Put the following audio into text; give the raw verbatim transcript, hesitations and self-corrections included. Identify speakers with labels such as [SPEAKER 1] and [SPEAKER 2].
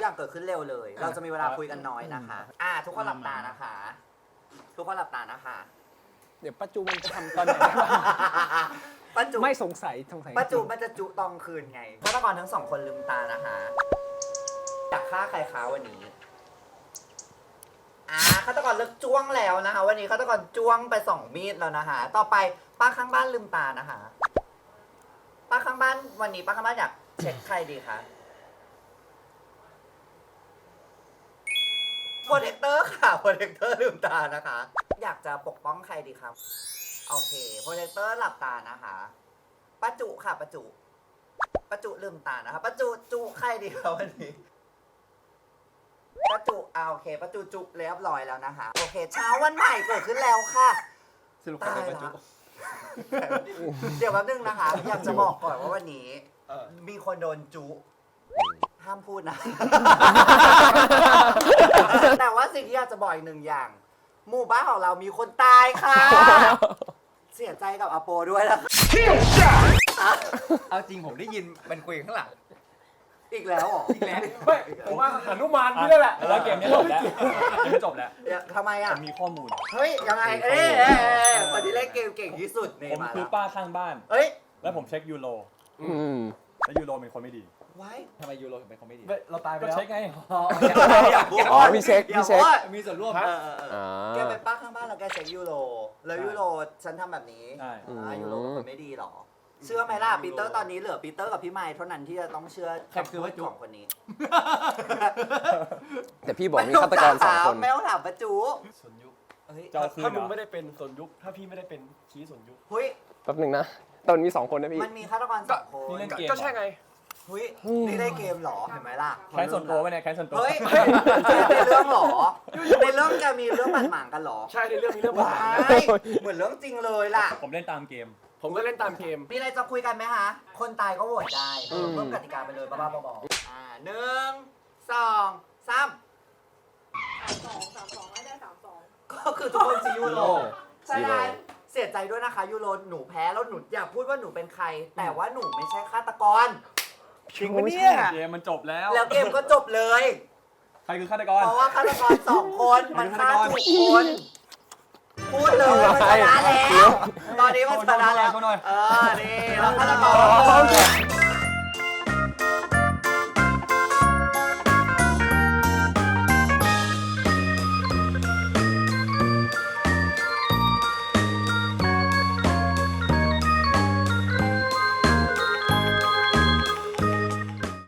[SPEAKER 1] อย่างเกิดขึ้นเร็วเลย เราจะมีเวลาคุยกันน้อยนะคะอ่าทุกคนหลับตานะคะ ทุกคนหลับตานะคะ
[SPEAKER 2] เดี๋ยวป้าจูมันจะทำตอนไหน
[SPEAKER 1] ป้าจุ
[SPEAKER 2] ไม่สงสัยสงสัย
[SPEAKER 1] ป้าจุมันจะจุตองคืนไงฆาตกรทั้งสองคนลืมตานะคะอยากฆ่าใครคะวันนี้อ่าฆาตกรเลิกจ้วงแล้วนะคะ วันนี้ฆาตกรจ้วงไปสองมีดแล้วนะคะ ต่อไปป้าข้างบ้านลืมตานะคะป้าข้างบ้านวันนี้ป้าข้างบ้านอยากเช็คใครดีคะโปรเทคเตอร์ค่ะโปรเทคเตอร์ลืมตานะคะ อยากจะปกป้องใครดีครับโอเคโปรเทคเตอร์หลับตานะคะป้าจุค่ะป้าจุป้าจุลืมตานะคะป้าจุจุใครดีคะวันนี้ป้าจุอ่าโอเคป้าจุจุเรียบร้อยแล้วนะคะโอเคเช้าวันใหม่เกิดขึ้นแล้วค่ะ
[SPEAKER 3] สรุปใครเป็นป้าจุ
[SPEAKER 1] เดี๋ยวแป๊บนึงนะคะ อยากจะบอกก่อนว่าวันนี้
[SPEAKER 3] เออ
[SPEAKER 1] มีคนโดนจุห้ามพูดนะ แต่ว่าสิ่งที่อยากจะบอกอีกหนึ่งอย่าง หมู่บ้านของเรามีคนตายค่ะ เสียใจกับอาโปด้วยนะ
[SPEAKER 3] เอาจริงผมได้ยินมันคุยข้างหลัง
[SPEAKER 1] อีกแล้วเหรอ
[SPEAKER 3] อีกแล้ว
[SPEAKER 2] ไม่ผมว่าหนุมานพี่นั่นแหละ
[SPEAKER 4] แล้วเกมนี้จบแล้วเกมนี้จบแล้ว
[SPEAKER 1] เดี๋ยวทำไมอ่ะ
[SPEAKER 4] ผมมีข้อมูล
[SPEAKER 1] เฮ้ย ยังไง เอ๊ะเอ๊ะเอ๊ะคนที่เล่นเกมเก่งที่สุดนี่
[SPEAKER 4] ผม
[SPEAKER 1] มา
[SPEAKER 4] คือ
[SPEAKER 1] แล้ว
[SPEAKER 4] ป้าข้างบ้าน
[SPEAKER 1] เฮ้ย
[SPEAKER 4] แล้วผมเช็คยูโร
[SPEAKER 2] อืม
[SPEAKER 4] แล้วยูโรเป็นคนไม่ดี
[SPEAKER 1] ไว้
[SPEAKER 3] ทำไมยูโรถึงเป็นคอมเมดี้
[SPEAKER 2] เราตายไป
[SPEAKER 4] ก็
[SPEAKER 2] แล้ว
[SPEAKER 4] เช็คไง
[SPEAKER 1] อย่าพูด
[SPEAKER 2] อ๋อพี่เช็คพี่เช็ค
[SPEAKER 1] อย่าพูด
[SPEAKER 3] มีส่วนร่วม
[SPEAKER 1] เออเออเออ
[SPEAKER 2] อ่า
[SPEAKER 1] แกเป็นป้าข้างบ้านแล้วแกเช็คยูโร แล้วยูโรฉันทำแบบนี้
[SPEAKER 4] ใช่
[SPEAKER 1] อ่ายูโรเป็นคนไม่ดีหรอ เชื่อไหมล่ะปีเตอร์ตอนนี้เหลือปีเตอร์กับพี่ไมค์เท่านั้นที่จะต้องเชื่อ
[SPEAKER 3] ใครคือว่าจุ๊
[SPEAKER 1] ของคนนี้
[SPEAKER 2] แต่พี่บอกมีฆาตกรสองคน
[SPEAKER 1] ไม่ต้องถามประจู
[SPEAKER 5] สนยุค
[SPEAKER 1] เฮ้ย
[SPEAKER 4] เจ้าคืน
[SPEAKER 5] ถ้า
[SPEAKER 4] เหร
[SPEAKER 5] มึง
[SPEAKER 4] อ
[SPEAKER 5] ไม่ได้เป็นสนยุค ถ้าพี่ไม่ได้เป็นชี้สนยุค
[SPEAKER 1] เฮ้ย
[SPEAKER 2] แป๊บหนึงนะตอนมีสองคนนะพี่
[SPEAKER 1] มันมีฆาตกรสองคน
[SPEAKER 4] นี่เล่นเกม
[SPEAKER 5] ก็ใช่ไง
[SPEAKER 1] เฮ้ยนี่ได้เกมเหรอเห็นไหมล่ะ
[SPEAKER 4] แค้นส่วนตัวไปเนี่ยแค้นส่วนตัว
[SPEAKER 1] เฮ้ยในเรื่องเหรอในเรื่องจะมีเรื่องบาดหมางกันเหรอ
[SPEAKER 5] ใช่ในเรื่องมีเรื่องปัญ
[SPEAKER 1] ว้า
[SPEAKER 5] หาย
[SPEAKER 1] เหมือนเรื่องจริงเลยล่ะ
[SPEAKER 4] ผมเล่นตามเกม
[SPEAKER 5] ผมก็เล่นตามเกม
[SPEAKER 1] มีอะไรจะคุยกันไหมคะ คนตายก็โหวตได้
[SPEAKER 2] อืม
[SPEAKER 1] เพิ่มกติกาไปเลยบ้าๆบอๆอ่าหนึ่งสองสาม
[SPEAKER 6] สองสามสองไม่ได้สามสอง
[SPEAKER 1] ก็คือทุกคนซียูโรใช่
[SPEAKER 2] ซี
[SPEAKER 1] ไห
[SPEAKER 2] โร่
[SPEAKER 1] มเสียใจด้วยนะคะยูโรหนูแพ้แล้วหนูอยากพูดว่าหนูเป็นใคร แต่ว่าหนูไม่ใช่ฆาตกร
[SPEAKER 5] จริงปะเนี่ย
[SPEAKER 4] เกมมันจบแล้ว
[SPEAKER 1] แล้วเกมก็จบเลย
[SPEAKER 4] ใครคือฆาตกร
[SPEAKER 1] เพราะว่าฆาตกรสองคนมันฆ่าถูกคนพูดเลยมันชนะแล้ว ตอนนี้มันชนะแล้ว
[SPEAKER 4] โชว์หน่อย
[SPEAKER 1] เออ นี่แล้วฆาตกร